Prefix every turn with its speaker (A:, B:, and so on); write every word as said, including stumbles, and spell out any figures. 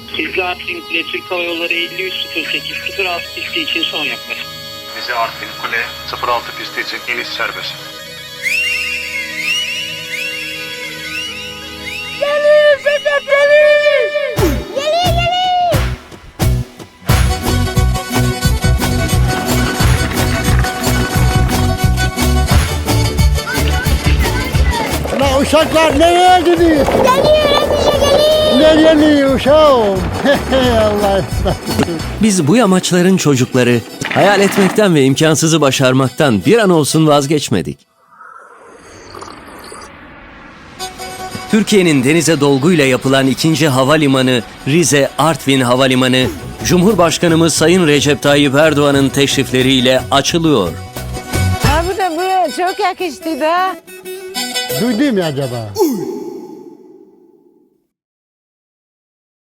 A: Sizli Artvin Kule Türk Hava Yolları elli üç sıfır sekiz sıfır altı pisti için son yaklaşık.
B: Rize Artvin Kule sıfır altı pisti için iniş serbest.
C: Geliyor Sedef, geliyor! Geliyor, geliyor!
D: La uşaklar nereye gidiyor?
C: Geliyor, hemşe geliyor!
D: Ne geliyor uşağım? Allah
E: Biz bu yamaçların çocukları hayal etmekten ve imkansızı başarmaktan bir an olsun vazgeçmedik. Türkiye'nin denize dolguyla yapılan ikinci havalimanı Rize Artvin Havalimanı, Cumhurbaşkanımız Sayın Recep Tayyip Erdoğan'ın teşrifleriyle açılıyor.
F: Ha bu da buraya çok yakıştı da.
D: Duydun mu acaba?